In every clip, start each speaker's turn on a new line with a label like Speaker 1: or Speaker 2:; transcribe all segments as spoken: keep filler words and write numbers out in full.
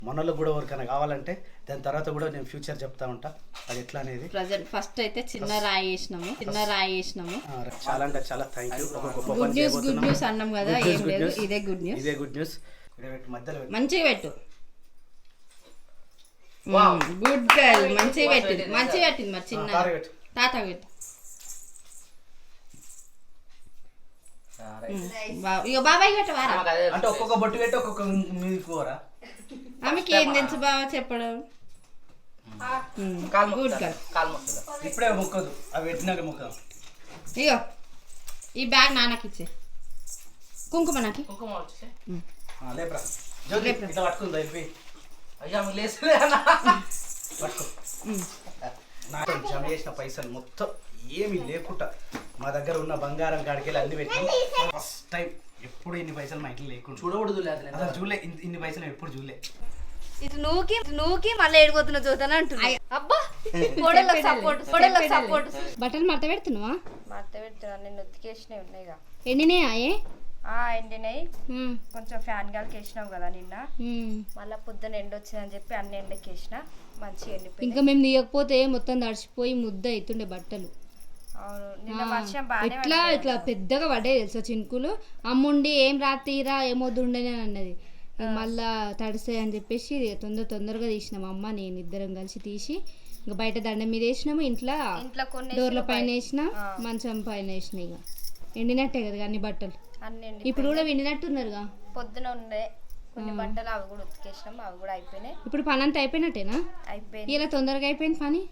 Speaker 1: మనలో కూడా ఎవరికైనా కావాలంటే దాని తర్వాత కూడా నేను ఫ్యూచర్ చెప్తా ఉంటా అది ఎట్లా అనేది.
Speaker 2: ప్రజెంట్ ఫస్ట్ అయితే చిన్న రాయి వేసినాము చిన్న రాయి వేసినాము
Speaker 1: చాలా అంటే చాలా థ్యాంక్ యూ. ఒక గొప్ప
Speaker 2: గుడ్ న్యూస్ గుడ్ న్యూస్ అన్నాం కదా, ఏం లేదు ఇదే గుడ్ న్యూస్.
Speaker 1: ఇదే గుడ్ న్యూస్. మధ్యలో
Speaker 2: మంచిగా పెట్టు. గుడ్ గర్ల్, మంచిగా పెట్టింది మంచిగా పెట్టింది. మరి చిన్న తాత పెట్టు. ఇక బాబాయ్ పెట్టవారా
Speaker 1: అంటే ఒక్కొక్క బొట్టు పెట్టి ఒక్కొక్క మీది కూర.
Speaker 2: ఆమెకి ఏం తెలుసు బాబా చెప్పడం. Good girl.
Speaker 1: ఇప్పుడే మొక్కదు, అవి పెట్టినాక మొక్కదు.
Speaker 2: ఇగో ఈ బ్యాగ్ నాన్నకి ఇచ్చే. కుంకుమ నాకి
Speaker 1: లేపరా ఇట్లా పట్టుకుందా వెళ్ళి
Speaker 3: అయ్యా లేసలే
Speaker 1: పట్టుకో. నాకు జమ చేసిన పైసలు మొత్తం ఏమి లేకుండా మా దగ్గర ఉన్న బంగారం కాడికెళ్ళి అన్ని పెట్టి ఫస్ట్ టైం ఎప్పుడు ఇన్ని పైసలు మా ఇంట్లో లేకుండా
Speaker 3: చూడకూడదు
Speaker 1: అసలు చూడలే. ఇన్ని పైసలు ఎప్పుడు చూడలే.
Speaker 4: ఇటు నువ్వుకి నువ్వుకి మళ్ళీ ఏడిపోతున్నా చూద్దాను అంటున్నాయి. అబ్బా కోడళ్ళకి సపోర్ట్ కోడళ్ళకి సపోర్ట్.
Speaker 2: బట్టలు మడత పెడుతున్నావా?
Speaker 4: మడత పెడుతున్నా, నేను ఉతికేసినవి ఉన్నాయిగా.
Speaker 2: ఎండినాయే
Speaker 4: ఆ ఎండినాయి. కొంచెం ఫ్యాన్ గాలికి వేసినావు కదా నిన్న, మళ్ళీ పొద్దున ఎండ వచ్చిందని చెప్పి అన్ని ఎండకి వేసిన మంచిగా ఎండిపోయి.
Speaker 2: ఇంకా మేము తీయకపోతే మొత్తం తడిచిపోయి ముద్ద అవుతుండే బట్టలు.
Speaker 4: అవును నిన్న వర్షం బాగా
Speaker 2: ఇట్లా ఇట్లా పెద్దగా పడ్డాయి తెలుసా చినుకులు. అమ్ముండి ఏం రాత్రిరా ఏమొద్దుండని అన్నది. మళ్ళా తడిసాయి అని చెప్పేసి తొందర తొందరగా తీసినాము అమ్మ నేను ఇద్దరం కలిసి తీసి. ఇంకా బయట దండం మీద వేసినాము, ఇంట్లో
Speaker 4: ఇంట్లో కొన్ని
Speaker 2: డోర్ల పైన వేసిన, మంచం పైన వేసిన. ఇక ఎండినట్టే కదా అన్ని బట్టలు.
Speaker 4: అన్ని
Speaker 2: ఇప్పుడు కూడా ఎండినట్టున్నారుగా.
Speaker 4: పొద్దున ఉండే కొన్ని బట్టలు అవి కూడా ఉతికేసినాం, అవి కూడా అయిపోయినాయి.
Speaker 2: ఇప్పుడు పని అంతా అయిపోయినట్టేనా?
Speaker 4: అయిపోయింది.
Speaker 2: ఇలా తొందరగా అయిపోయింది పని.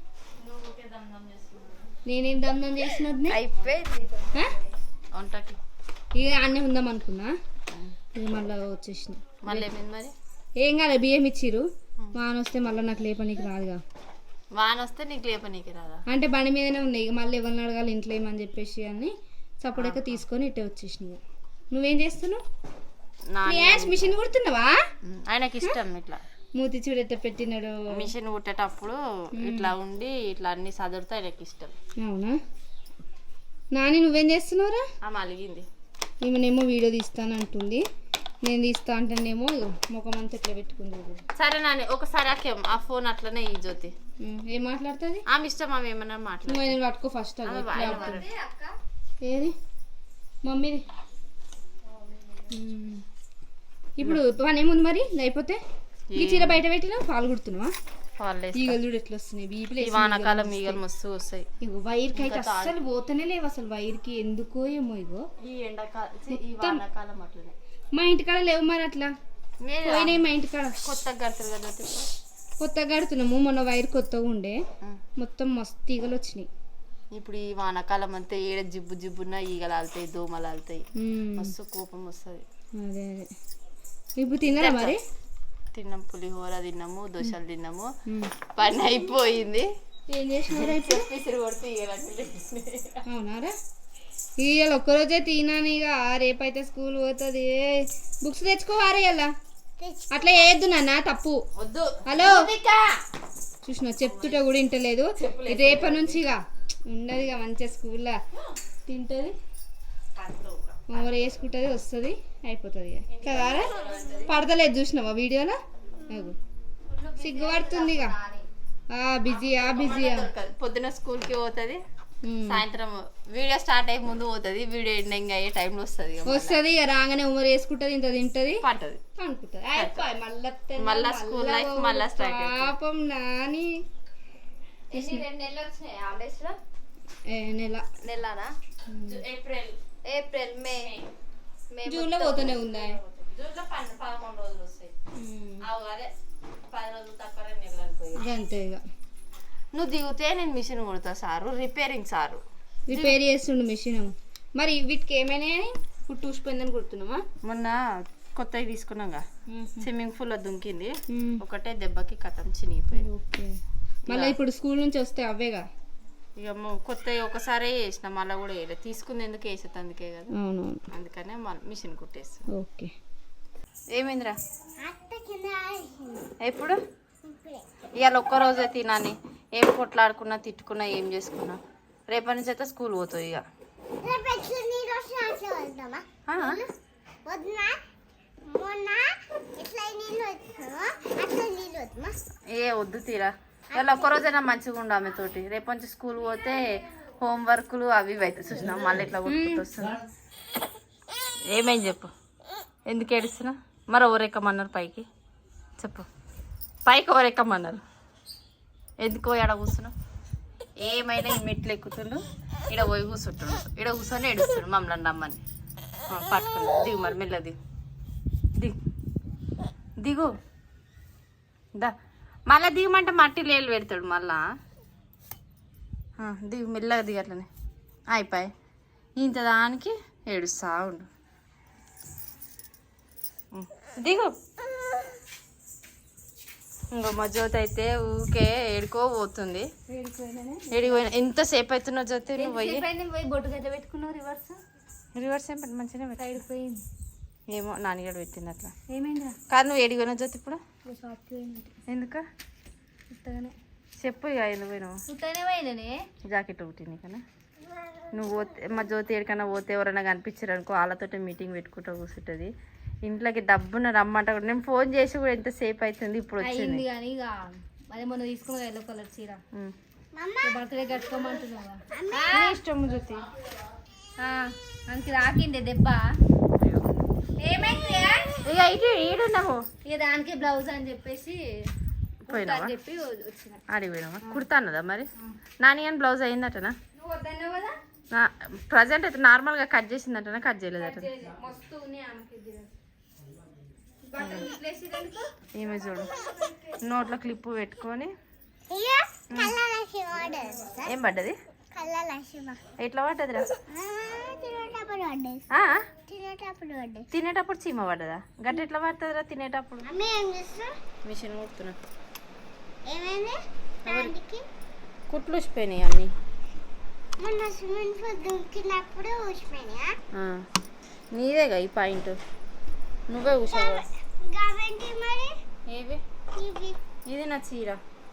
Speaker 2: నేనేం దమ్దం చేసినది
Speaker 4: అయిపోయింది.
Speaker 3: వంటకి
Speaker 2: ఇక అన్నీ ఉందాం అనుకున్నా, ఇక మళ్ళీ వచ్చేసిన.
Speaker 3: మళ్ళీ ఏమైంది మరి?
Speaker 2: ఏం కాదు, బియ్యం ఇచ్చిర్రు. వాన వస్తే మళ్ళీ నాకు లేపనీకి రాదుగా.
Speaker 3: వాన వస్తే నీకు లేపనీకి రాదా?
Speaker 2: అంటే బండి మీదనే ఉన్నాయి. ఇక మళ్ళీ ఎవరిని అడగాలి ఇంట్లో ఏమని చెప్పేసి అని సపోర్ట్గా తీసుకొని ఇట్టే వచ్చేసిన. నువ్వేం చేస్తున్నావు? మిషన్ కుడుతున్నావా?
Speaker 3: ఆయనకి ఇష్టం ఇట్లా
Speaker 2: మూతి చూడెట్ట పెట్టినాడు.
Speaker 3: మిషన్ కుట్టేటప్పుడు ఇట్లా ఉండి ఇట్లా అన్ని సదురుతా ఆయనకి ఇష్టం.
Speaker 2: అవునా నాని నువ్వేం చేస్తున్నావురా?
Speaker 3: ఆమె అలిగింది.
Speaker 2: ఈమెనేమో వీడియో తీస్తాను అంటుంది, నేను తీస్తా అంటేనేమో ముఖం అంతా ఎట్లా పెట్టుకుంది.
Speaker 3: సరే నాని ఒకసారి అక్కే ఆ ఫోన్ అట్లనే ఈ జ్యోతి
Speaker 2: ఏం మాట్లాడుతుంది
Speaker 3: ఆమె ఇష్టం. ఆమె ఏమన్నా మాట్లాడు.
Speaker 2: నువ్వు నేను పట్టుకో ఫస్ట్. ఏది మమ్మీది. ఇప్పుడు పని ఏముంది మరి అయిపోతే? ఈ చీర బయట పెట్టినా పాలు కుడుతున్నావా? ఈగలు చూడు ఎట్లా వస్తున్నాయి. బీపీలు
Speaker 3: వానాకాలం ఈగలు మస్తు వస్తాయి.
Speaker 2: ఇగో వైర్కి అయితే అస్సలు పోతనే లేవు అసలు. వైర్కి ఎందుకో ఏమో. ఇగో
Speaker 3: ఈ ఎండాకాలం అట్లనే
Speaker 2: మా ఇంటికాడ లేవు మరి అట్లా పోయినాయి. మా ఇంటికాడ
Speaker 3: కొత్తగా కడతారు కదా,
Speaker 2: కొత్తగా కడుతున్నాము. మొన్న వైర్ కొత్తగా ఉండే మొత్తం మస్తు ఈగలు వచ్చినాయి.
Speaker 3: ఇప్పుడు ఈ వానాకాలం అంతా ఏడ జిబ్బు జిబ్బున్న ఈగలు ఆలుతాయి, దోమలు ఆలుతాయి, మస్తు కోపం వస్తుంది.
Speaker 2: అదే అదే. ఇప్పుడు తిన్నారా మరి?
Speaker 3: తిన్నాం, పులిహోర తిన్నాము, దోశలు తిన్నాము. పని అయిపోయింది.
Speaker 2: ఏం చేసినారా ఇప్పుడు?
Speaker 3: పిసిరి కొడితే
Speaker 2: అవునారా? ఇవాళ ఒక్కరోజే తినాను. ఇక రేపైతే స్కూల్ పోతుంది. బుక్స్ తెచ్చుకోవారా ఇలా? అట్లా వేయద్దు నాన్న, తప్పు.
Speaker 3: వద్దు.
Speaker 2: హలో చూసిన చెప్తుంటే కూడా వింటలేదు. రేపటి నుంచి ఇక ఉండదు ఇక మంచిగా స్కూల్లో తింటుంది, మమ్మల్ని వేసుకుంటుంది, వస్తుంది, అయిపోతుంది ఇక కదా. పడతలేదు చూసినావా వీడియోలో? సిగ్గుపడుతుంది ఇక. బిజీయా బిజీయా.
Speaker 3: పొద్దున స్కూల్కి పోతుంది, సాయంత్రం వీడియో స్టార్ట్ అయ్యే ముందు పోతుంది, వీడియో ఎండింగ్ అయ్యే టైంలో వస్తుంది.
Speaker 2: వస్తుంది ఇక రాగానే ఉమ్మరు వేసుకుంటుంది, ఇంత తింటది,
Speaker 3: పడుతుంది,
Speaker 2: అనుకుంటుంది. అయిపోయి మళ్ళీ
Speaker 3: మళ్ళీ స్కూల్ లైఫ్ మళ్ళీ స్టార్ట్.
Speaker 2: పాపం నాని. నెల
Speaker 4: నెలనా?
Speaker 3: ఏప్రిల్
Speaker 4: ఏప్రిల్ మే
Speaker 2: జూన్ లో పోతూనే ఉందా?
Speaker 3: జూన్లో పదకొండు రోజులు వస్తాయి. అదే పది రోజులు తక్కువ నెలలు అనుకో.
Speaker 2: అంతే ఇక.
Speaker 3: నువ్వు దిగితే నేను మిషన్ కుడతా సారు, రిపేరింగ్ సారు.
Speaker 2: రిపేర్ చేస్తుండు మిషన్. మరి వీటికి ఏమైనా ఇప్పుడు చూసిపోయిందని కుడుతున్నామా?
Speaker 3: మొన్న కొత్తవి తీసుకున్నాగా, స్విమ్మింగ్ పూల్ లో దుంకింది, ఒకటే దెబ్బకి కథం చినిగిపోయింది.
Speaker 2: ఓకే. మళ్ళీ ఇప్పుడు స్కూల్ నుంచి వస్తే అవేగా
Speaker 3: ఇక కొత్తవి ఒకసారి వేసిన, మళ్ళీ కూడా వేయలేదు. తీసుకుంది ఎందుకు వేసేది అందుకే కదా.
Speaker 2: అవునవును,
Speaker 3: అందుకనే మిషన్ కుట్టేస్తా.
Speaker 2: ఓకే.
Speaker 3: ఏమైందిరా ఎప్పుడు? ఇవాళ ఒక్కరోజే తినాని. ఏం కొట్లాడుకున్నా తిట్టుకున్నా ఏం చేసుకున్నా రేపటి నుంచి అయితే స్కూల్ పోతావు ఇక.
Speaker 5: మొన్న ఇట్లా
Speaker 3: ఏ వద్దు తీరా ఇలా ఒక్కరోజైనా మంచిగా ఉండు ఆమె తోటి రేపు నుంచి స్కూల్ పోతే హోంవర్క్లు అవి ఇవి అయితే చూసినా మళ్ళీ ఇట్లా కొట్టుకుంటూ వస్తున్నా. ఏమైంది చెప్పు, ఎందుకు ఏడుస్తున్నా? మరి ఎవరెక్కమన్నారు పైకి చెప్పు, పైకి ఎవరెక్కమన్నారు? ఎందుకో ఎడ కూర్చున్నావు? ఏమైనా ఈ మెట్లు ఎక్కుతుండు, ఇక్కడ పోయి కూర్చుంటుండు, ఇక్కడ కూర్చొని ఏడుస్తుండు మమ్మల్ని రమ్మని. పట్టుకున్నా దిగు, మరి మెల్ల దిగు దిగు దిగు దా. మళ్ళీ దిగమంటే మట్టి లేలు పెడతాడు మళ్ళా. దిగు మెల్లగా దిగు, అట్లనే అయిపోయి ఇంత దానికి ఏడుస్తా ఉండు. దిగు. ఇంకో మా జ్యోతి అయితే ఊకే ఏడుకో పోతుంది. ఏడిపోయినా ఎంతసేపు అవుతున్నా జ్యోతి నువ్వు పోయి
Speaker 2: బొట్టు గడ్డ పెట్టుకున్నావు రివర్స్
Speaker 3: రివర్స్ ఏం పెట్టి మంచిగానే పెట్టి
Speaker 2: అయిపోయింది.
Speaker 3: ఏమో నాన్నగడ పెట్టింది అట్లా.
Speaker 2: ఏమైందా?
Speaker 3: కాదు నువ్వు ఏడిపోయినా జ్యోతి ఇప్పుడు?
Speaker 2: షాప్కి పోయినట్టు
Speaker 3: ఎందుక
Speaker 2: ఉత్తగానే
Speaker 3: చెప్పు ఇక ఎందుకు పోయినావు?
Speaker 2: ఉత్తగానే పోయిననే.
Speaker 3: జాకెట్ ఒకటి కదా నువ్వు పోతే మా జ్యోతి ఎక్కడికైనా పోతే ఎవరైనా కనిపించారు అనుకో వాళ్ళతో మీటింగ్ పెట్టుకుంటూ కూర్చుంటుంది. ఇంట్లోకి డబ్బున రమ్మంట కూడా నేను ఫోన్ చేసి కూడా ఎంతసేపు అవుతుంది ఇప్పుడు వచ్చింది.
Speaker 2: కానీ ఇక అదే మొన్న తీసుకున్నా ఎల్లో కలర్ చీర బర్త్డే కట్టుకోమంటున్నావా?
Speaker 3: ఇష్టం జ్యోతి
Speaker 2: మనకి రాకిండే దెబ్బ. ఏమైంది
Speaker 3: ఇక ఇటు ఈడున్నాము
Speaker 2: ఇక దానికి బ్లౌజ్ అని చెప్పేసి
Speaker 3: పోయినావా?
Speaker 2: చెప్పి వచ్చిన
Speaker 3: ఆడికి పోయినావా? కుడతాన్నదా మరి? నాని అని బ్లౌజ్ అయిందటనా?
Speaker 2: నువ్వు వద్దన్నావు కదా.
Speaker 3: ప్రజెంట్ అయితే నార్మల్గా కట్ చేసిందటనా కట్ చేయలేదట?
Speaker 2: మస్తు ఉన్నాయి ఆమెకి.
Speaker 3: ఈమె చూడు నోట్లో క్లిప్పు పెట్టుకొని ఏం పడ్డది? ఎట్లా పడ్డదిరా? తినేటప్పుడు చీమ పడ్డదా? గట్ట ఎట్లా పడుతుందిరా తినేటప్పుడు? మిషన్ కుడుతున్నా కుట్లు ఊసిపోయినాయి అన్ని. నీదేగా ఈ పాయింట్, నువ్వే ఊసావు. ఏవి? ఇది నా చీర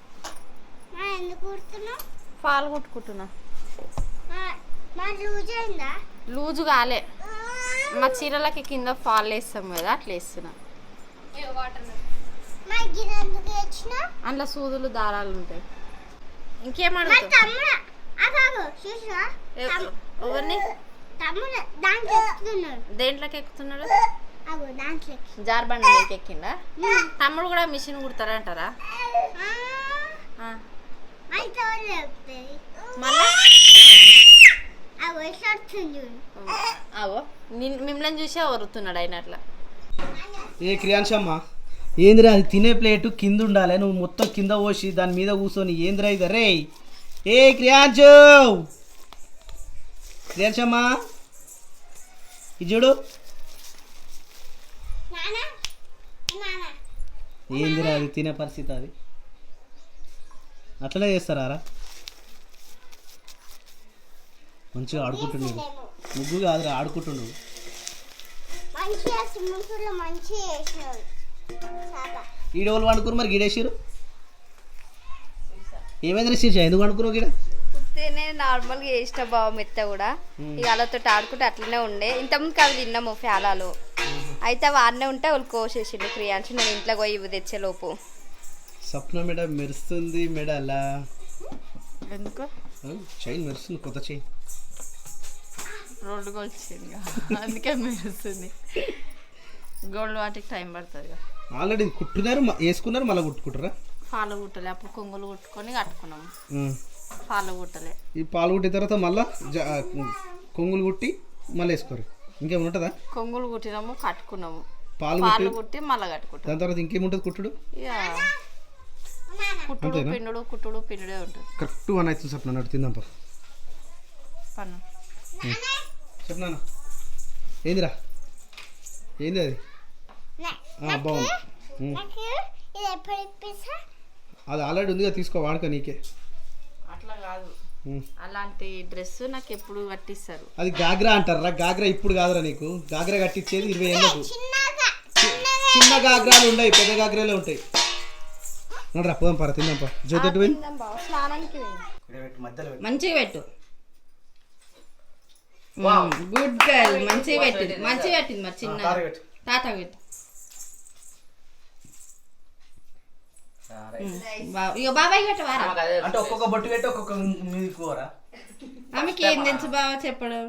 Speaker 3: ఫాల్ కుట్టుకుంటున్నా. లూజు కాలే, మా చీరలకి కింద ఫాల్ వేస్తాం కదా అట్లా వేస్తున్నా. అందులో సూదులు దారాలు ఉంటాయి. ఇంకేమడుగుతావు? ఎవరిని దేంట్లోకి ఎక్కుతున్నాడు? జార్బండి ఎక్కిండా? తమ్ముడు కూడా మిషన్ కుడతారంటారా? అవో మిమ్మల్ని చూసి వరుతున్నాడు ఆయన అట్లా.
Speaker 1: ఏ క్రియాంశమ్మ, ఏందిరా అది తినే ప్లేటు కింద ఉండాలి, నువ్వు మొత్తం కింద పోసి దాని మీద కూర్చొని ఏందిరా ఇది? రే ఏ క్రియాంశు, క్రియాంశమ్మ ఇది చూడు. ఏందిరా అది తినే పరిస్థితి? అది అట్లనే చేస్తారా? మంచిగా ఆడుకుంటుండు, ముగ్గు కాదురా ఆడుకుంటుండు. ఈడోళ్ళు వండుకురు మరి గిడేసిరు. ఏమైంది శీర్ష, ఎందుకు వండుకురు గిడ?
Speaker 4: కుర్తీనే నార్మల్గా వేసిన బావ మెత్త కూడా ఇక వాళ్ళతో ఆడుకుంటే అట్లనే ఉండే. ఇంతకుముందుకు అవి తిన్నాము ఫ్యాలాలో, అయితే వాడినే ఉంటే వాళ్ళు కోసేసిండు క్రియాంశు. నేను ఇంట్లో పోయి ఇవి తెచ్చేలోపు
Speaker 1: స్వప్న మెడ మెరుస్తుంది. మెడ అలా
Speaker 3: ఎందుకు
Speaker 1: చైన్ మెరుస్తుంది, కొత్త చైన్
Speaker 3: రోడ్డు వచ్చింది అందుకే మెరుస్తుంది. గోల్డ్ వాటికి టైం పడుతుంది.
Speaker 1: ఆల్రెడీ కుట్టున్నారు, వేసుకున్నారు, మళ్ళీ కుట్టుకుంటారా?
Speaker 3: పాలు కుట్టలే, అప్పుడు కొంగులు కుట్టుకొని కట్టుకున్నాము. పాలు కుట్టలే,
Speaker 1: ఈ పాలు కుట్టిన తర్వాత మళ్ళీ కొంగులు కుట్టి మళ్ళీ వేసుకోరు. ఇంకేమైనా ఉంటుందా?
Speaker 3: కొంగులు కుట్టినాము, కట్టుకున్నాము,
Speaker 1: పాలు
Speaker 3: పాలు కుట్టి మళ్ళీ కట్టుకుంటాం.
Speaker 1: దాని తర్వాత ఇంకేముంటుంది కుట్టుడు?
Speaker 3: ఇక కుట్టుడు పిండుడు కుట్టుడు పిండుడే ఉంటుంది.
Speaker 1: కరెక్ట్ వన్ అవుతుంది సార్. నన్ను తిందాంపా
Speaker 3: పన్ను
Speaker 1: చెప్పనా? ఏందిరా ఏంది అది? బాగుంది, అది ఆల్రెడీ ఉందిగా, తీసుకో వాడుకో నీకే.
Speaker 3: అట్లా కాదు, అలాంటి డ్రెస్ నాకు ఎప్పుడు కట్టిస్తారు.
Speaker 1: అది గాగ్రా అంటారా? గాగ్రా ఇప్పుడు కాదురా నీకు, గాగ్రా కట్టించేది ఇరవై ఏళ్ళకు. చిన్న గాగ్రాలు ఉన్నాయి, పెద్ద గాగ్రాలే ఉంటాయి. నడరా పోదాం పర తిందాంపా. జ్యోతి
Speaker 3: మంచిగా పెట్టు, గుడ్ గర్ల్. మంచిగా పెట్టింది, మంచిగా పెట్టింది. మరి చిన్న తాత పెట్టు.
Speaker 2: బావ ఇక బాబాయ్ పెట్టవారా
Speaker 1: అంటే ఒక్కొక్క బొట్టు పెట్టి ఒక్కొక్క మీది కూరా
Speaker 2: ఆమెకి ఏం తెలుసు బావ చెప్పడం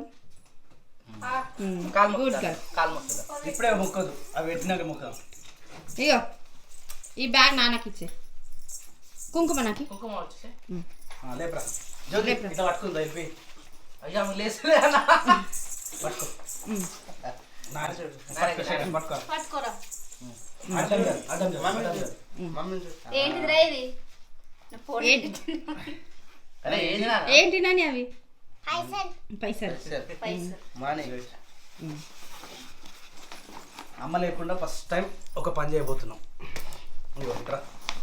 Speaker 2: గుడ్ గర్ల్
Speaker 1: ఇప్పుడే మొక్కదు అవి పెట్టినాక మొక్కదు.
Speaker 2: ఇగో ఈ బ్యాగ్ నాన్నకి ఇచ్చే కుంకుమ నాకి
Speaker 3: కుంకుమ వచ్చేసి
Speaker 1: ఆ, లేపరా జ్యోతి ఇట్లా పట్టుకుందా వెళ్ళి
Speaker 3: అయ్యా లేసులే అన్న
Speaker 1: పట్టుకో
Speaker 2: ఉమ్.
Speaker 1: నాన్న చూడు. పట్టుకో, శేఖర్, పట్టుకో
Speaker 4: పట్టుకోరా
Speaker 1: అడ్డం జరు, అడ్డం జరు, అడ్డం జరు.
Speaker 4: ఏంటిదిరా ఇది నా ఫోన్
Speaker 2: ఏంటి
Speaker 3: అరే ఏంది నాన్న?
Speaker 2: ఏంటి నాని అవి పైసలు
Speaker 4: పైసలు
Speaker 1: మానే అమ్మ లేకుండా ఫస్ట్ టైం ఒక పని చేయబోతున్నాం. ఇదిగో ఇక్కడ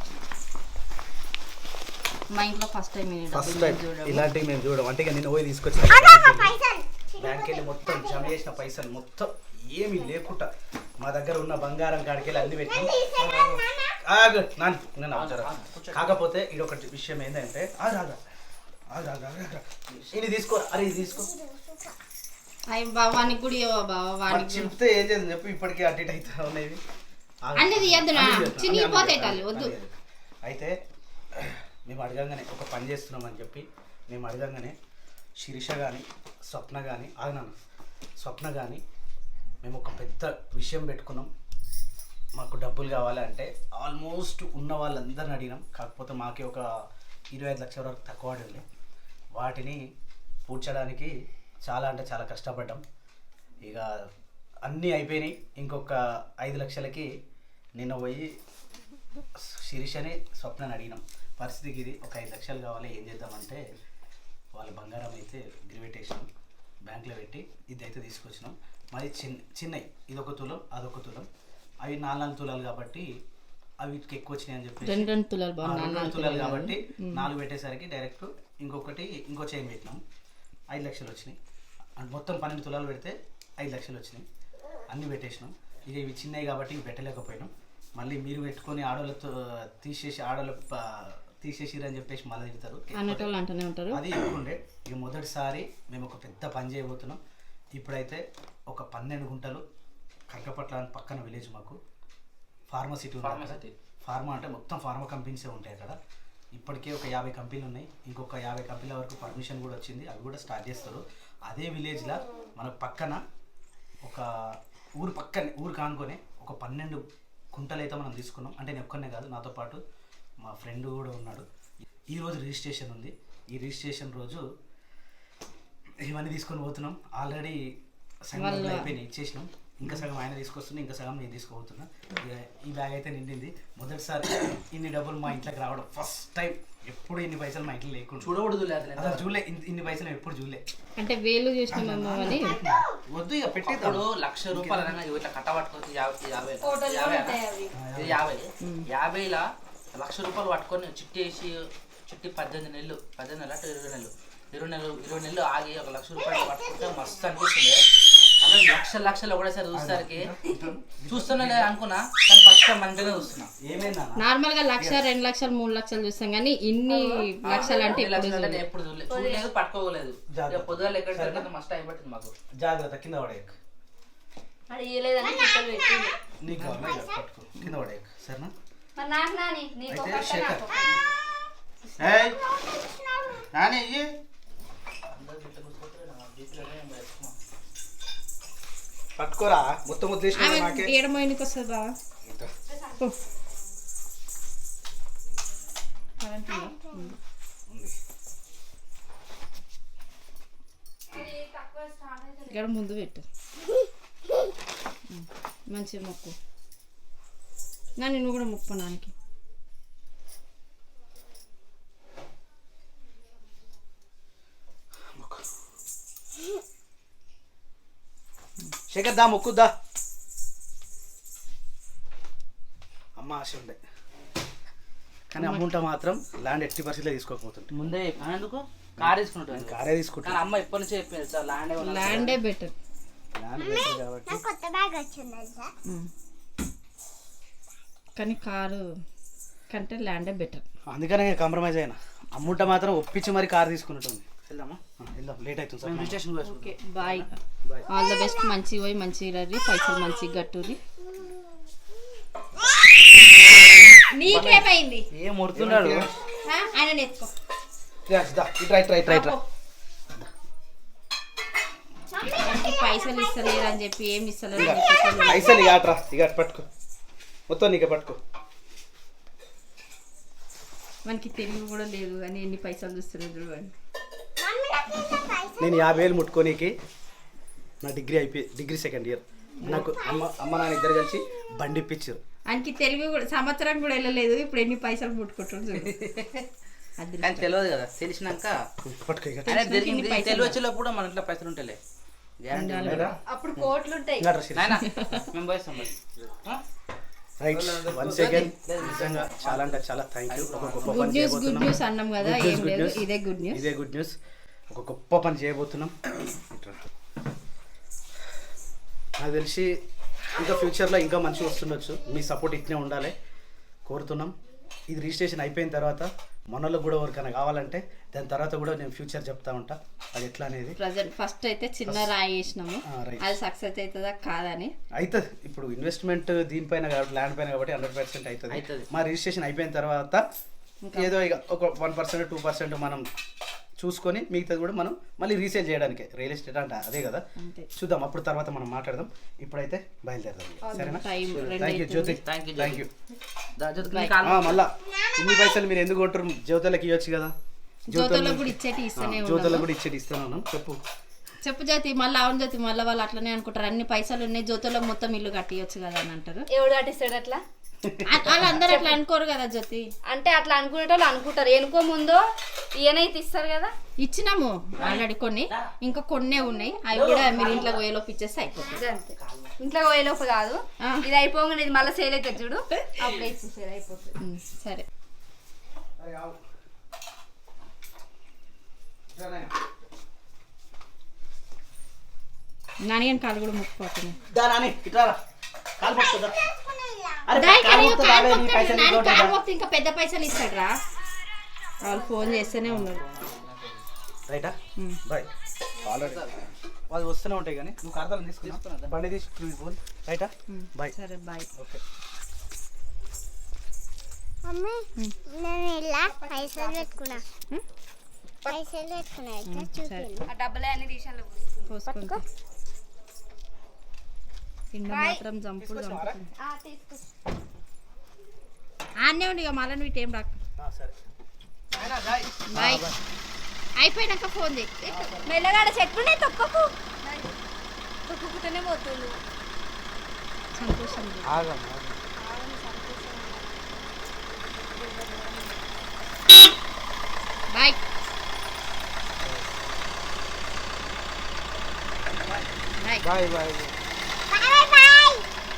Speaker 2: మా ఇంట్లో ఫస్ట్ టైం
Speaker 1: ఫస్ట్ టైం ఇలాంటివి మేము చూడడం అంటే ఇక నేను పోయి తీసుకొచ్చిన బ్యాంక్ వెళ్ళి మొత్తం జమ చేసిన పైసలు మొత్తం ఏమీ లేకుండా మా దగ్గర ఉన్న బంగారం కాడికి వెళ్ళి అన్ని పెట్టి ఆగు, నాన్న, నేను అవసరం. కాకపోతే ఇది ఒకటి విషయం ఏంటంటే ఆగు, ఆగు, ఆగు, ఆగు, ఆగు, ఆగు. ఇది తీసుకో, అరే ఇది తీసుకో.
Speaker 2: అవి బావానికి కూడా ఇవ్వ బావ
Speaker 1: మరి
Speaker 2: వానికి
Speaker 1: చెప్తే ఏం చేద్దాం చెప్పి ఇప్పటికీ అటు ఇటు అవుతా ఉన్నాయి. ఆగు.
Speaker 2: అన్ని తీయద్దు నా,
Speaker 1: అన్ని తీయద్దు,
Speaker 2: చినిగిపోతాయి
Speaker 1: అన్ని
Speaker 2: తల్లి, వద్దు.
Speaker 1: అన్ని తీయద్దు. అయితే మేము అడగంగానే ఒక పని చేస్తున్నామని చెప్పి మేము అడగంగానే శిరీష కానీ స్వప్న కానీ ఆగినాను స్వప్న కానీ మేము ఒక పెద్ద విషయం పెట్టుకున్నాం. మాకు డబ్బులు కావాలి అంటే ఆల్మోస్ట్ ఉన్న వాళ్ళందరిని అడిగినాం. కాకపోతే మాకే ఒక ఇరవై ఐదు లక్షల వరకు తక్కువ పడింది. వాటిని పూడ్చడానికి చాలా అంటే చాలా కష్టపడ్డాం. ఇక అన్నీ అయిపోయినాయి. ఇంకొక ఐదు లక్షలకి నిన్న పోయి శిరీషని స్వప్నని అడిగినాం. పరిస్థితికి ఇది ఒక ఐదు లక్షలు కావాలి, ఏం చేద్దామంటే వాళ్ళ బంగారం అయితే గిరిపెట్టేసినాం, బ్యాంకులో పెట్టి ఇది అయితే తీసుకొచ్చినాం. మరి చిన్న చిన్నవి ఇదొక తులం అదొక తులం, అవి నాలుగు నాలుగు తులాలు కాబట్టి అవి వీటికి ఎక్కువ వచ్చినాయి అని చెప్పి
Speaker 2: రెండు రెండు తులాలు బాగా
Speaker 1: రెండు రెండు తులాలు కాబట్టి నాలుగు పెట్టేసరికి డైరెక్ట్ ఇంకొకటి ఇంకో చైన్ పెట్టినాం. ఐదు లక్షలు వచ్చినాయి. అండ్ మొత్తం పన్నెండు తులాలు పెడితే ఐదు లక్షలు వచ్చినాయి. అన్నీ పెట్టేసినాం. ఇక ఇవి చిన్నవి కాబట్టి ఇవి పెట్టలేకపోయినాం. మళ్ళీ మీరు పెట్టుకొని ఆడోళ్ళతో తీసేసి ఆడోళ్ళ తీసేసిరని చెప్పేసి మళ్ళీ తిడతారు.
Speaker 2: అన్నటోళ్ళు అంటూనే ఉంటారు.
Speaker 1: అది ఎక్కువ ఉండే. ఇక మొదటిసారి మేము ఒక పెద్ద పని చేయబోతున్నాం. ఇప్పుడైతే ఒక పన్నెండు గుంటలు కరకపట్ల అని పక్కన విలేజ్ మాకు ఫార్మసిటీ ఉంది. ఫార్మా అంటే మొత్తం ఫార్మా కంపెనీసే ఉంటాయి అక్కడ. ఇప్పటికే ఒక యాభై కంపెనీలు ఉన్నాయి. ఇంకొక యాభై కంపెనీల వరకు పర్మిషన్ కూడా వచ్చింది. అవి కూడా స్టార్ట్ చేస్తారు. అదే విలేజ్లో మనకు పక్కన ఒక ఊరు పక్కనే ఊరు కానుకొని ఒక పన్నెండు కుంటలు అయితే మనం తీసుకున్నాం. అంటే నేను ఒక్కనే కాదు, నాతో పాటు మా ఫ్రెండ్ కూడా ఉన్నాడు. ఈరోజు రిజిస్ట్రేషన్ ఉంది. ఈ రిజిస్ట్రేషన్ రోజు ఇవన్నీ తీసుకొని పోతున్నాం. ఆల్రెడీ సగం అయిపోయినాయి, ఇచ్చేసినాం. ఇంకా సగం ఆయన తీసుకొస్తున్నా, ఇంకా సగం నేను తీసుకోబోతున్నా. ఈ బ్యాగ్ అయితే నిండింది. మొదటిసారి ఇన్ని డబ్బులు మా ఇంట్లోకి రావడం ఫస్ట్ టైం. ఎప్పుడు ఇన్ని పైసలు మా ఇంట్లో లేకుండా
Speaker 3: చూడకూడదు
Speaker 1: అసలు చూడలే. ఇన్ని పైసలు ఎప్పుడు చూడలే.
Speaker 2: అంటే వేలు చూసినామేమో అని
Speaker 1: వద్దు ఇక పెట్టి
Speaker 3: ఇప్పుడు లక్ష రూపాయలు అనగా ఇట్లా కట్ట పట్టుకొని యాభై యాభై యాభై ఇది యాభై యాభైలా లక్ష రూపాయలు పట్టుకొని చిట్టి వేసి చిట్టి పద్దెనిమిది నెలలు పద్దెనిమిది నెలలు అంటే ఇరవై నెలలు ఇరవై నెలలు ఇరవై నెలలు ఆగి ఒక లక్ష రూపాయలు పట్టుకుంటే మస్తు అనిపిస్తుంది. అలా లక్షల లక్షలు ఒకటేసారి చూసేసరికి చూస్తున్నా లేదు అనుకున్నా, కానీ ఫస్ట్ టైం మంచిగా చూస్తున్నా.
Speaker 1: ఏమైందా
Speaker 2: నార్మల్ గా లక్ష రెండు లక్షలు మూడు లక్షలు చూస్తాం కానీ ఇన్ని లక్షలు అంటే
Speaker 3: లక్షలు ఎప్పుడు చూడలేదు చూడలేదు పట్టుకోలేదు. పొద్దుగా ఎక్కడ మస్తు టైం పట్టింది మాకు.
Speaker 1: జాగ్రత్త, కింద పడే
Speaker 4: అది ఇయ్యలేదని చుట్టలు పెట్టింది.
Speaker 1: నీకు కావాలి పట్టుకో, కింద పడే సరేనా.
Speaker 4: మరి నాకు నాని నీకు
Speaker 1: అయితే
Speaker 4: ఒకటి
Speaker 1: శేఖర్
Speaker 4: నాకు
Speaker 1: నాని ఇయ్యి. పట్టుకోరా మొత్తం వదిలేసిన నాకే
Speaker 2: ఏడమైనకి వస్తుంది బాగా ఇక్కడ ముందు పెట్టు మంచిగా మొక్కు. నా నేను కూడా మొక్కు నానికి.
Speaker 1: శేఖర్ దా మొక్కుద్దా. అమ్మ ఆశ ఉండే కానీ అమ్ముంట మాత్రం ల్యాండ్ ఎట్టి పరిస్థితిలో తీసుకోకపోతుంది.
Speaker 3: ముందే ఎందుకు కార్ తీసుకుంటాను,
Speaker 1: కారే తీసుకుంటాను.
Speaker 3: అమ్మ ఎప్పటి నుంచో చెప్పింది సార్ ల్యాండ్
Speaker 2: ల్యాండే బెటర్.
Speaker 1: ల్యాండ్ బెటర్ కాబట్టి
Speaker 2: కానీ కారు కంటే ల్యాండే బెటర్.
Speaker 1: అందుకనే కాంప్రమైజ్ అయినా. అమ్ముంట మాత్రం ఒప్పించి మరి కార్ తీసుకున్నట్టుంది. వెళ్దామా? వెళ్దాం, లేట్ అవుతుంది sir. Registration
Speaker 2: okay bye. All the best. మంచిగా పోయి మంచిగా రండి, పైసలు మంచిగా కట్టుర్రి. నీకేమైంది
Speaker 1: ఏం ముడుతున్నాడు
Speaker 2: ఆ? ఆయన నెత్తుకో
Speaker 1: ఇట్రా ఇట్రా ఇట్రా ఇట్రా
Speaker 2: మనకి పైసలు ఇస్తలేరు అని చెప్పి ఏమి ఇస్తలేరు అని చెప్పి
Speaker 1: పైసలు ఇక అట్రా ఇక అటు పట్టుకో మొత్తం నీకే పట్టుకో
Speaker 2: మనకి తెలివి కూడా లేదు కానీ ఎన్ని పైసలు చూస్తున్నారు చూడండి.
Speaker 1: నేను యాభై వేలు ముట్టుకోనీకి నా డిగ్రీ అయిపోయి డిగ్రీ సెకండ్ ఇయర్ నాకు అమ్మ అమ్మ నాన్న ఇద్దరు కలిసి బండి ఇప్పించారు.
Speaker 2: ఆయనకి తెలివి కూడా సంవత్సరం కూడా వెళ్ళలేదు ఇప్పుడు ఎన్ని పైసలు పుట్టుకుంటారు చూడు. అది
Speaker 5: కానీ తెలియదు కదా తెలిసినాక
Speaker 1: పట్టుకో ఇక
Speaker 5: అరే దొరికింది తెలివి వచ్చేటప్పుడు మన ఇంట్లో పైసలు ఉంటాయి గ్యారంటీ
Speaker 4: అప్పుడు కోట్లు ఉంటాయి.
Speaker 1: ఇంకా డ్రెస్
Speaker 5: నాయనా మేము పోయిస్తాం మరి
Speaker 1: రైట్ వన్ సెకండ్ నిజంగా చాలా అంటే చాలా థ్యాంక్ యూ. ఒక గొప్ప
Speaker 2: గుడ్
Speaker 1: పని
Speaker 2: న్యూస్ గుడ్
Speaker 1: చేయబోతున్నాం.
Speaker 2: న్యూస్ అన్నాం కదా
Speaker 1: Good news,
Speaker 2: ఏం
Speaker 1: good
Speaker 2: లేదు
Speaker 1: news.
Speaker 2: ఇదే గుడ్ న్యూస్.
Speaker 1: ఇదే గుడ్ న్యూస్. ఒక గొప్ప పని చేయబోతున్నాం. ఇట్రా. నాకు తెలిసి ఇంకా ఫ్యూచర్లో ఇంకా మంచిగా వస్తుండొచ్చు. మీ సపోర్ట్ ఇట్నే ఉండాలి కోరుతున్నాం. ఇది రిజిస్ట్రేషన్ అయిపోయిన తర్వాత మనలో కూడా ఎవరికైనా కావాలంటే దాని తర్వాత కూడా నేను ఫ్యూచర్ చెప్తా ఉంటా అది ఎట్లా అనేది.
Speaker 2: ప్రజెంట్ ఫస్ట్ అయితే చిన్న రాయి వేసినాము
Speaker 1: ఆ, right.
Speaker 2: అది సక్సెస్ అవుతుందా కాదని.
Speaker 1: అవుతుంది ఇప్పుడు ఇన్వెస్ట్మెంట్ దీనిపైన కాబట్టి ల్యాండ్ పైన కాబట్టి హండ్రెడ్ పర్సెంట్ అవుతుంది.
Speaker 5: అవుతుంది.
Speaker 1: మా రిజిస్ట్రేషన్ అయిపోయిన తర్వాత ఏదో ఇక ఒక వన్ పర్సెంట్ టూ పర్సెంట్ మనం చూసుకొని మిగతాది కూడా మనం మళ్ళీ రీసేల్ చేయడానికి రియల్ ఎస్టేట్ అంటే అదే కదా
Speaker 2: అంతే.
Speaker 1: చూద్దాం అప్పుడు తర్వాత మనం మాట్లాడదాం. ఇప్పుడైతే బయలుదేరదాం సరేనా.
Speaker 2: టైం రెండు
Speaker 1: thank you Jyothi
Speaker 5: thank you
Speaker 1: thank you.
Speaker 5: Call
Speaker 1: మళ్ళా ఇన్ని పైసలు మీరు ఎందుకు కొంటారు జ్యోతులకు ఇవ్వచ్చు కదా.
Speaker 2: జ్యోతులకు కూడా ఇచ్చేటి ఇస్తూనే
Speaker 1: జ్యోతులకు
Speaker 2: ఉన్నాము.
Speaker 1: కూడా ఇచ్చేది ఇస్తున్నాను చెప్పు.
Speaker 2: చెప్పు జ్యోతి మళ్ళీ అవును జ్యోతి మళ్ళీ వాళ్ళు అట్లనే అనుకుంటారు అన్ని పైసలు ఉన్నాయి జ్యోతులకు మొత్తం ఇల్లు కట్టియొచ్చు కదా అని అంటారు.
Speaker 4: ఎవడు కట్టిస్తాడు అట్లా?
Speaker 2: అ- వాళ్ళందరూ అట్లా అనుకోరు కదా జ్యోతి.
Speaker 4: అంటే అట్లా అనుకునేటోళ్ళు అనుకుంటారు. ఎనుకో ముందో ఈయనైతే ఇస్తారు కదా.
Speaker 2: ఇచ్చినాము ఆల్రెడీ కొన్ని ఇంకా కొన్నే ఉన్నాయి అవి కూడా మీరు ఇంట్లో పోయేలోపు ఇచ్చేస్తే అయిపోతుంది.
Speaker 4: ఇది అంతే. ఇంట్లో పోయేలోపు కాదు
Speaker 2: ఆ.
Speaker 4: ఇది అయిపోగానే ఇది మళ్ళీ సేల్ అవుతుంది చూడు అప్పుడే ఇచ్చేసేది అయిపోతుంది.
Speaker 2: ఉమ్, సరే నాని కాలు కూడా ముక్కుపోతున్నాయి.
Speaker 1: దాని ఇట్లా కాలు పట్టుకుందా
Speaker 2: దాని కానీ కాలు మొక్కుతాడు, నాని కాలు మొక్కితే ఇంకా పెద్ద పైసలు ఇస్తాడు రా. వాళ్ళు ఫోన్ చేస్తూనే ఉన్నారు.
Speaker 1: రైటా
Speaker 2: ఉమ్.
Speaker 1: బాయ్ ఆల్రెడీ వాళ్ళు వస్తూనే ఉంటాయి కానీ నువ్వు కార్తాలు తీసుకున్నా బండి తీసి ఫోన్ రైటా బాయ్.
Speaker 2: సరే బాయ్.
Speaker 1: ఓకే
Speaker 6: మమ్మీ నేను ఇలా పైసలు పెట్టుకున్నా పైసలు పెట్టుకున్నా ఇట్లా చూపించు.
Speaker 4: ఆ డబ్బులే అన్ని తీసాను.
Speaker 2: పోసుకుంటా కింద మాత్రం జంపులు జంపుతుంది. ఆనే ఉండి ఇక మళ్ళీ నువ్వు ఇటేం రాక.
Speaker 1: సరే
Speaker 2: బాయ్ అయిపోయినాక ఫోన్ చేయి.
Speaker 4: మెల్లగాడ చెట్టునే తొక్కకు తొక్కుతూనే పోతుంది.
Speaker 2: సంతోషం
Speaker 1: ఆగం
Speaker 2: bye. Bye
Speaker 1: bye bye.
Speaker 6: Bye bye.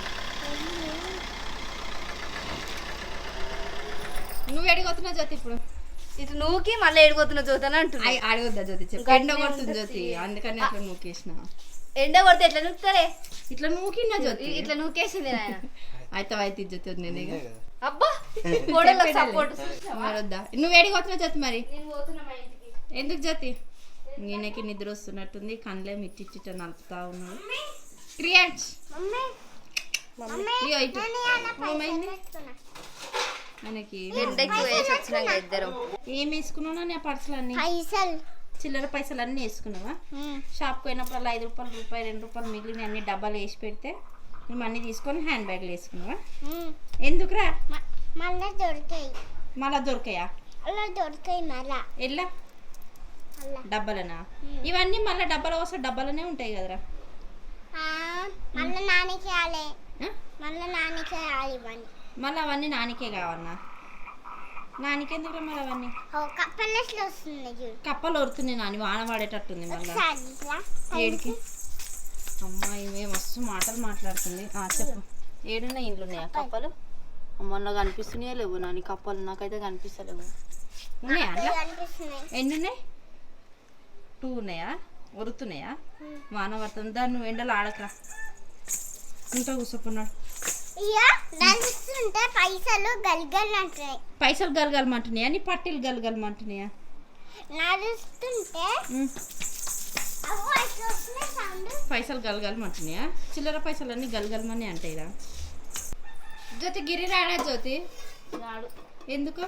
Speaker 2: నువ్వు ఎడిగొస్తున్నావు జ్యోతి ఇప్పుడు
Speaker 4: ఇటు నువ్వుకి మళ్ళీ ఏడిపోతున్న జ్యోతని అంటున్నా.
Speaker 2: అయ్ అడగొద్దా జ్యోతి చెప్పు. ఎండ కొడుతుంది జ్యోతి అందుకని అట్లా నూకేసిన.
Speaker 4: ఎండ కొడితే ఎట్లా నూకుతారే?
Speaker 2: ఇట్లా నూకినా జ్యోతి
Speaker 4: ఇట్లా నూకేసింది ఆయన.
Speaker 2: అయితే అయితే జ్యోతి నేనే
Speaker 4: అబ్బా కోడళ్ళకి సపోర్ట్.
Speaker 2: వద్దా నువ్వు ఎడిగొస్తున్నావు జ్యోతి మరి
Speaker 4: నేను పోతున్నా మా ఇంటికి.
Speaker 2: ఎందుకు జ్యోతి నేనకి నిద్ర వస్తున్నట్టుంది కళ్ళే మిట్టిచ్చిట నలుపుతా ఉన్నాడు. క్రియాన్స్
Speaker 6: మమ్మీ మమ్మీ
Speaker 2: ఇగో ఇటు
Speaker 6: నేను ఇలా పైసలు
Speaker 2: ఏమైంది
Speaker 6: పెట్టుకున్నా
Speaker 4: ఎండకి ఎండకి వేసి వచ్చినాక ఇద్దరం.
Speaker 2: ఏం వేసుకున్నావు నా పర్సులు అన్ని
Speaker 6: పైసలు
Speaker 2: చిల్లర పైసలు అన్నీ వేసుకున్నావా?
Speaker 6: ఉమ్.
Speaker 2: షాప్కి పోయినప్పుడు ఐదు రూపాయలు రూపాయి రెండు రూపాయలు మిగిలిన అన్ని డబ్బాలు వేసి పెడితే నువ్వు అన్నీ తీసుకొని హ్యాండ్ బ్యాగ్లు వేసుకున్నావా?
Speaker 6: ఉమ్.
Speaker 2: ఎందుకురా
Speaker 6: మ- మళ్ళా దొరికాయి
Speaker 2: మళ్ళా దొరికాయా?
Speaker 6: అలా దొరికాయి మళ్ళా
Speaker 2: ఎల్లా
Speaker 6: అలా
Speaker 2: డబ్బాలనా? ఇవన్నీ మళ్ళీ డబ్బాలు వస్తే డబ్బాలనే ఉంటాయి కదరా.
Speaker 6: ఆ, మళ్ళా నాన్నకి ఆలే
Speaker 2: ఆ?
Speaker 6: మళ్ళా నాన్నకి ఆలి ఇవన్నీ
Speaker 2: మళ్ళీ అవన్నీ నానికే కావన్నా? నానికి ఎందుకురా మళ్ళీ అవన్నీ?
Speaker 6: ఓ కప్పలెట్లు వస్తుంది చూడు
Speaker 2: కప్పలు ఒరుతున్నాయి నాని వాన పడేటట్టుంది మళ్ళీ.
Speaker 6: ఒకసారి ఇట్లా
Speaker 2: ఏడికి అమ్మాయి మేము మస్తు మాటలు మాట్లాడుతుంది. ఆ, చెప్పు.
Speaker 3: ఏడున్నాయి ఇండ్లు ఉన్నాయా కప్పలు? మొన్న కనిపిస్తున్నాయా లేవు నాని కప్పలు? నాకైతే కనిపిస్తలేవు.
Speaker 2: ఉన్నాయా అట్లా?
Speaker 6: అనిపిస్తున్నాయి
Speaker 2: ఎన్ని ఉన్నాయి? టూ ఉన్నాయా? ఒరుతున్నాయా? వాన పడుతుంది దాన్ని నువ్వు ఎండలో ఆడకరా ఇంట్లో కూర్చోకున్నాడు.
Speaker 6: ఇక నడుస్తుంటే పైసలు గల్గల్ అంటున్నాయి
Speaker 2: పైసలు గలగలమంటున్నాయా? నీ పట్టీలు గలగలమంటున్నాయా?
Speaker 6: నడుస్తుంటే
Speaker 2: ఉమ్.
Speaker 6: అవ్వ అట్లా వస్తున్నాయి సౌండ్
Speaker 2: పైసలు గలగలమంటున్నాయా? చిల్లర పైసలు అన్నీ గలగలమని అంటాయిరా. జ్యోతి గిరి రాడా జ్యోతి
Speaker 3: రాడు.
Speaker 2: ఎందుకు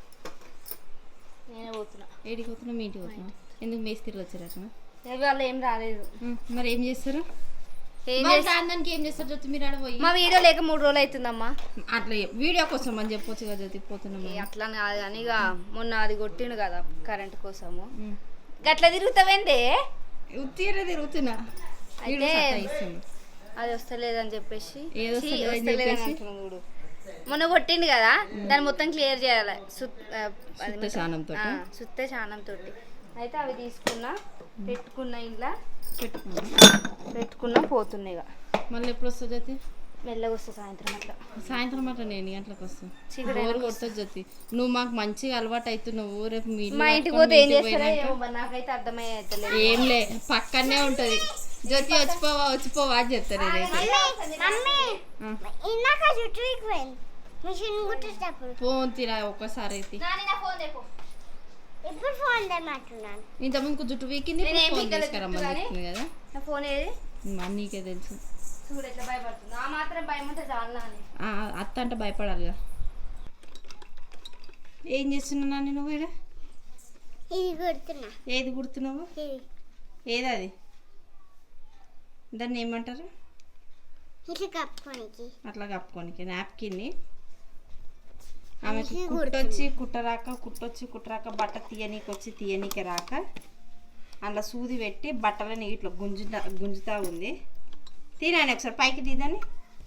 Speaker 3: నేనే పోతున్నా.
Speaker 2: ఏడికి పోతున్నా మీ ఇంటికి పోతున్నా ఎందుకు మేస్త్రి వచ్చారట
Speaker 3: వాళ్ళు ఏం రాలేదు.
Speaker 2: మరి ఏం చేస్తారు
Speaker 4: ఏం
Speaker 2: మరి
Speaker 4: చేస్తా-
Speaker 2: దానికి ఏం చేస్తారు జ్యోతి మీరు ఆడ పోయి
Speaker 4: మా వీడియో లేక మూడు రోజులు అవుతుందమ్మా.
Speaker 2: అట్లా చెప్- వీడియో కోసం అని చెప్పొచ్చు కదా జ్యోతి పోతున్నాం
Speaker 4: ఏ అట్లా కాదు కానీ ఇక మొన్న అది కొట్టిండు కదా కరెంట్ కోసము గట్లా తిరుగుతావేందే
Speaker 2: ఉత్తీర తిరుగుతున్నా
Speaker 4: అయితే
Speaker 2: ఇస్తుంది
Speaker 4: అది వస్తలేదని చెప్పేసి
Speaker 2: ఏది
Speaker 4: ఛీ,
Speaker 2: వస్తలేదని
Speaker 4: వస్తలేదని
Speaker 2: చెప్పేసి?
Speaker 4: అంటున్నాడు చూడు. మొన్న కొట్టిండు కదా దాన్ని మొత్తం క్లియర్ చేయాలి సుత్- ఆ, అది
Speaker 2: సుత్త శానంతో
Speaker 4: ఆ, సుత్తే చానం తోటి అయితే అవి తీసుకున్నా పెట్టుకున్న ఇంట్లో
Speaker 2: పెట్టుకున్నాం
Speaker 4: పెట్టుకున్నా పోతున్నాయి ఇక
Speaker 2: మళ్ళీ ఎప్పుడు వస్తుంది జ్యోతి
Speaker 4: మెల్లగా వస్తా సాయంత్రం అట్లా
Speaker 2: సాయంత్రం అట్లా నేను ఎన్ని గంటలకు వస్తాను
Speaker 4: చీకటి
Speaker 2: బోర్ కొడుతుంది జ్యోతి నువ్వు మాకు మంచిగా అలవాటు అవుతున్నావు రేపు మీ ఇల్లు
Speaker 4: మా ఇంటికి
Speaker 2: పట్టుకొని
Speaker 4: పోతే
Speaker 2: మీ
Speaker 4: ఏం
Speaker 2: ఇంటికి
Speaker 4: చేస్తారో
Speaker 2: పోయినాక
Speaker 4: ఏమో మరి నాకైతే అర్థమయ్యేది
Speaker 2: ఏం లే పక్కనే ఉంటది జ్యోతి వచ్చిపోవా వచ్చిపోవా అని చెప్తారు నేనైతే
Speaker 6: మమ్మీ
Speaker 2: ఆ.
Speaker 6: ఇందాక జుట్టు వీకిపోయింది మిషన్ కుట్టేటప్పుడు
Speaker 2: ఫోన్ తిరా ఒక్కసారి అయితే
Speaker 6: ఇప్పుడు ఫోన్ తెమ్మంటున్నాను
Speaker 2: ఇంత ముందుకు జుట్టు వీకింది
Speaker 4: నేను ఏం
Speaker 2: ఫోన్
Speaker 4: వీకలేదు
Speaker 2: తీసుకురమ్మని
Speaker 4: జుట్టు
Speaker 2: చెప్తుంది కదా
Speaker 4: నా ఫోన్ ఏది
Speaker 2: మా నీకే తెలుసు
Speaker 4: చూడు ఎట్లా భయపడుతుంది ఆ మాత్రం భయం ఉంటే చాలా అని
Speaker 2: ఆ, అత్త అంటే భయపడాలిగా ఏం చేస్తున్నావు నాని నువ్వు ఈడ
Speaker 6: ఇది కుడుతున్నా
Speaker 2: ఏది కుడుతున్నావు
Speaker 6: ఇది
Speaker 2: ఏది అది దాన్ని ఏమంటారు
Speaker 6: ఇట్లా కప్పుకోనికి
Speaker 2: అట్లా కప్పుకోనికి నాప్కిన్ని ఆమెకి
Speaker 6: అందుకే
Speaker 2: కుట్టొచ్చి కుట్టరాక కుట్టొచ్చి కుట్టరాక బట్ట తీయనీకి వచ్చి తీయనీకి రాక అందులో సూది పెట్టి బట్టలని ఇట్లా గుంజుతా గుంజుతా ఉంది తినాని ఒకసారి పైకి తీదని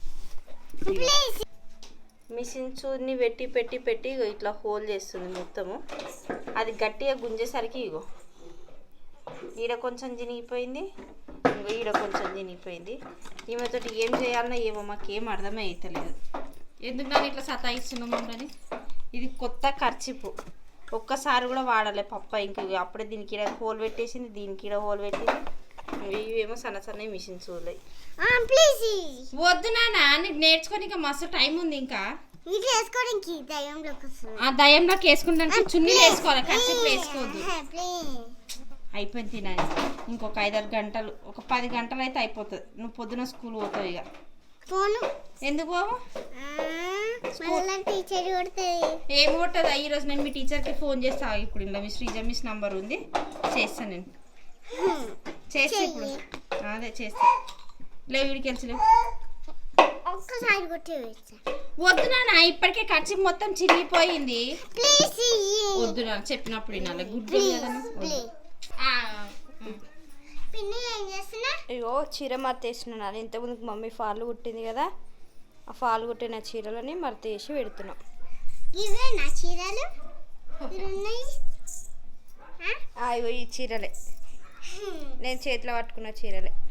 Speaker 3: మిషన్ చూని పెట్టి పెట్టి పెట్టి ఇగో ఇట్లా హోల్ చేస్తుంది మొత్తము. అది గట్టిగా గుంజేసరికి ఇగో ఈడ కొంచెం చినిగిపోయింది, ఇంకో ఈడ కొంచెం చినిగిపోయింది. ఈమెతోటి ఏం చేయాలన్నా ఏమో మాకేం అర్థమే అవుతలేదు.
Speaker 2: ఎందుకు నన్ను ఇట్లా సతాయిస్తున్నాము అని
Speaker 3: ఇది కొత్త ఖర్చిపు, ఒక్కసారి కూడా వాడాలి పప్ప. ఇంక అప్పుడే దీనికి ఈడ హోల్ పెట్టేసింది, దీనికి ఈడ హోల్ పెట్టింది. ఇవేమో సన్న సన్న మిషన్ చూడలే.
Speaker 6: ప్లీజ్
Speaker 2: వద్దు నాన్న నీకు నేర్చుకోనికి మస్తు టైం ఉంది ఇంకా.
Speaker 6: ఇది వేసుకోవడానికి దయ్యంలోకి వస్తుంది
Speaker 2: ఆ దయంలోకి వేసుకుంటానికి చున్నీలు వేసుకోవాలి, ఖర్చులు వేసుకోవద్దు.
Speaker 6: ప్లీజ్
Speaker 2: అయిపోయింది తినాలి. ఇంకొక ఐదారు గంటలు ఒక పది గంటలు అయితే అయిపోతుంది. నువ్వు పొద్దున స్కూల్ పోతావు ఇక.
Speaker 6: ఫోను
Speaker 2: ఎందుకు బాబు
Speaker 6: మళ్ళీ టీచర్ కొడుతుంది
Speaker 2: ఏం కొట్టదు. ఈరోజు నేను మీ టీచర్కి ఫోన్ చేస్తా. ఇప్పుడు ఇలా మీ శ్రీజ మిస్ నంబర్ ఉంది, చేస్తాను నేను. చేస్తా ఇప్పుడు, అదే చేస్తా. లేవు వీడికి వెళ్ళలేవు.
Speaker 6: ఒక్కసారి కొట్టి వేస్తా
Speaker 2: వద్దు నాన్న ఇప్పటికే ఖర్చు మొత్తం చిరిగిపోయింది.
Speaker 6: ప్లీజ్
Speaker 2: వద్దు నాన్న చెప్పినప్పుడు వినాలి. గుడ్ కదా నువ్వు?
Speaker 6: ప్లీజ్
Speaker 2: ఆ,
Speaker 6: పిన్ని ఏం చేస్తున్నా
Speaker 4: ఇగో చీర మర్తేస్తున్నాను. ఇంతకుముందుకు మమ్మీ ఫాల్ కుట్టింది కదా, ఆ ఫాల్ కుట్టిన చీరలని మర్తేసి పెడుతున్నాం.
Speaker 6: ఇవే నా చీరలు ఇవి ఉన్నాయి
Speaker 4: ఆ, ఇగో ఈ చీరలే నేను చేతిలో పట్టుకున్న చీరలే.